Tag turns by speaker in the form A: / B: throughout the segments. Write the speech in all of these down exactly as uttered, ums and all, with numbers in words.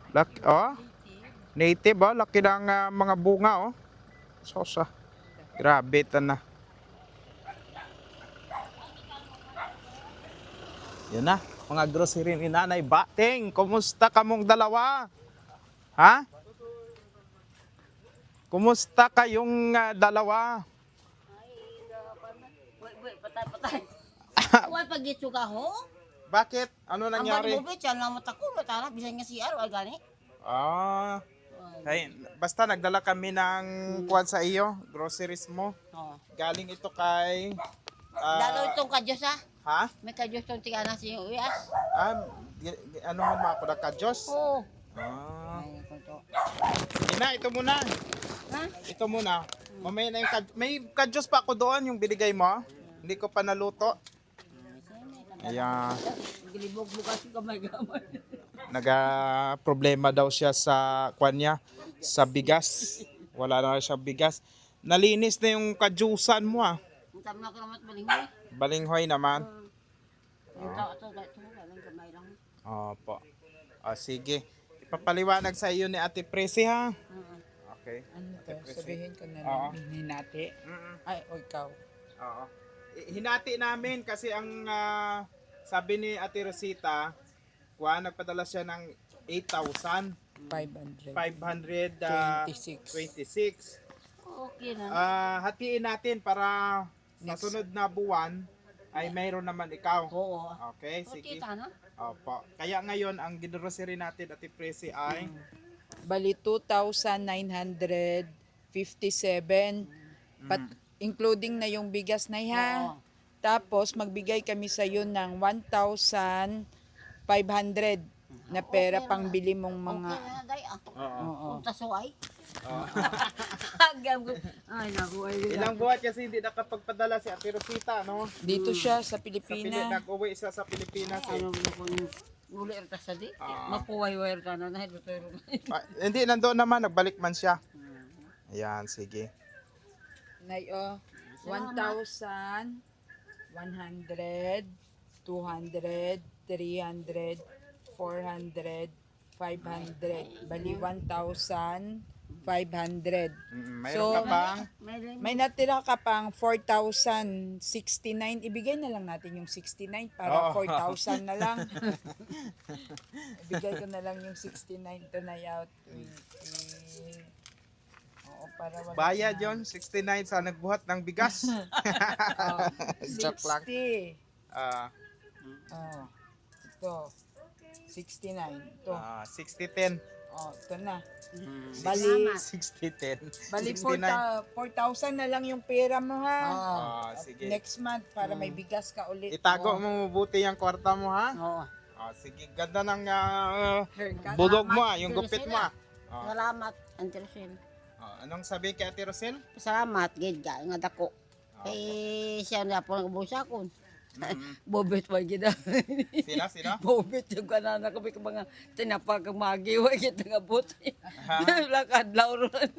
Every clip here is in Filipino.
A: Laki, oh, native oh, laki ng ah, mga bunga oh. Sosa. Grabe ta na. Yan na, mga grocery ni Nanay Bating. Kumusta kamong dalawa? Ha? Kumusta kayong ah, dalawa?
B: Wait, wait, patay, patay. Huwag pag-gitso ka ho.
A: Bakit? Ano
B: Ang
A: nangyari?
B: bali mo, bet, yan lang mata ko. Matala, bisan nga si Aro, ay gani.
A: Ah, ay, basta nagdala kami ng kuwan sa iyo, groceries mo.
B: Oo.
A: Galing ito kay ah,
B: Lalo itong kadyos ha.
A: ha?
B: May kadyos itong tigana sa iyo. Uyas.
A: Ah, gi- gi- ano man mga kuda ka Diyos?
B: Oo.
A: Ah.
B: Ay, kunto.
A: Ina, ito muna.
B: Ha?
A: Ito muna. Mamaya na yung kad- may kadyos pa ako doon yung binigay mo. Hindi ko pa naluto. Ayan.
B: Gilibog bukas yung kamay-gamay.
A: Naga problema daw siya sa kwan niya, sa bigas. Wala na siya bigas. Nalinis na yung kadyusan mo ah.
B: Ang tama na ko naman balinghoy.
A: Balinghoy naman.
B: Yung tao ito, ito, walang kamay lang.
A: Opo. Ah, sige. Ipapaliwanag sa iyo ni Ate Presi ha.
B: Oo.
A: Okay.
C: Ano to?
A: Ate Presi.
C: Sabihin ko na
A: Oo.
C: lang, hinati.
A: Mm-mm.
C: Ay, o ikaw.
A: Oo. I- Hinati namin kasi ang ah, sabi ni Ate Rosita, kuha, nagpadala siya ng eight thousand
C: five hundred.
A: five hundred ah,
C: twenty-six.
A: twenty-six.
B: Okay na.
A: Ah, hatiin natin para sa
C: Next.
A: sunod na buwan ay mayroon naman ikaw.
B: Oo.
A: Okay, sige.
B: Kita na.
A: Opo. Kaya ngayon ang ginrocery natin Ate Presi ay
C: Bali, two thousand nine hundred fifty-seven. Pat, including na yung bigas na ha.
B: Oo.
C: Tapos, magbigay kami sa iyo ng one thousand five hundred na pera
B: Okay na.
C: pang bili mong mga...
B: Okay na, day. Ah.
A: Oo.
C: Oo.
B: Punta so ay.
A: Oo.
B: Agam ko. Ay, naku. Ay,
A: Ilang buwan kasi hindi nakapagpadala si Ate Rosita, no?
C: Dito siya sa
A: Sa Pili-
C: Pilipinas.
A: nag-uwi siya sa Pilipinas. Eh.
B: Ano mo kung uli erta sa di?
A: Ah.
B: Mapuway-way erta na na. Ito
A: Ah, hindi, nandoon naman, nagbalik man siya. Ayan, sige.
C: Nay, oh, one thousand, one hundred, two hundred, three hundred, four hundred, five hundred. Bali, one thousand five hundred.
A: Mm, mayroon
C: So,
A: ka pang
C: May natira ka pang four thousand sixty-nine. Ibigay na lang natin yung sixty-nine para
A: Oo.
C: four thousand na lang. Ibigay ko na lang yung sixty-nine to na out. twenty. Oo, para wala
A: bayad
C: na.
A: yon sixty-nine sa nagbuhat ng bigas.
C: Oh,
A: Joke lang.
C: sixty.
A: Ah,
C: Oh, ito. sixty-nine. Ito.
A: ah, sixty ten.
C: Oh, ito na.
B: Bali.
C: Bali,
A: sixty ten.
C: bali
A: sixty-nine.
C: four thousand na lang yung pera mo ha.
A: Ah, sige.
C: Next month para may bigas ka ulit.
A: Itago
C: Oh.
A: mo mabuti yung kwarta mo ha.
B: Oo.
A: Ah, sige, ganda ng ah,
C: Haircut.
A: budog mo ah, yung gupit mo ah.
B: Salamat.
A: Ah,
B: Salamat, Antersin.
A: ah, anong sabi kay Ate Rosel?
B: Salamat, gid ka, nga dako.
A: Ah,
B: Kay siya na po nagbusa ko.
A: mm,
B: Bobet pa gid.
A: sino, sino?
B: Bobet yung kanana kami ka mga tinapag kang magiwa kita nga buti.
A: Ha?
B: Lakad lauron.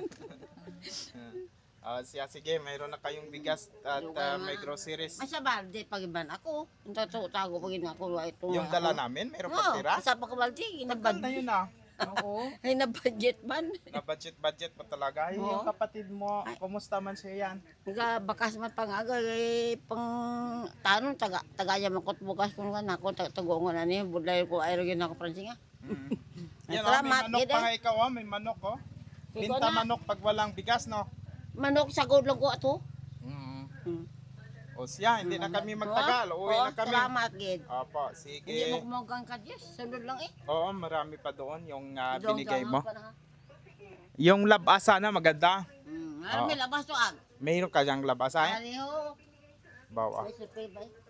A: Ah, siya, sige, mayroon na kayong bigas at ah, may groceries.
B: Masa balde pagiban ako. Ito to tago pagin ako ito.
A: Yung dala namin, mayroon pa tira?
B: Sa pagbalde,
A: Tagal na
B: inabad.
A: yun ah.
C: Oo.
B: Ay na budget man.
A: Na budget-budget pa talaga. Yung,
B: Oo.
A: yung kapatid mo, kumusta man siya yan?
B: Nga bakas man pangaga eh, pang tanong taga tagaya makot bukas kun nga nako tagongon ani budlay ko ay gid nako pransinga.
A: Mm.
B: Ay,
A: Yan oh, may
B: salamat,
A: manok
B: gid,
A: pa
B: eh.
A: nga ikaw oh, may manok oh.
B: Ikaw
A: Binta
B: na.
A: manok pag walang bigas no.
B: Manok sagod lang ko ato.
A: Mm.
B: Hmm.
A: O siya, hindi na kami magtagal. Uwi
B: Oo,
A: na kami.
B: Salamat gid.
A: Opo,
B: Hindi
A: sige.
B: mo kumagang ka Diyos. Sunod lang eh.
A: Oo, marami pa doon yung ah,
B: Doon
A: binigay
B: ka
A: mo.
B: lang pa na, ha?
A: Yung labasa na maganda.
B: Hmm. Ano may labas to ag?
A: Mayroon ka diyang labasa eh.
B: Ano ho?
A: Bawa.
B: May surprise ba?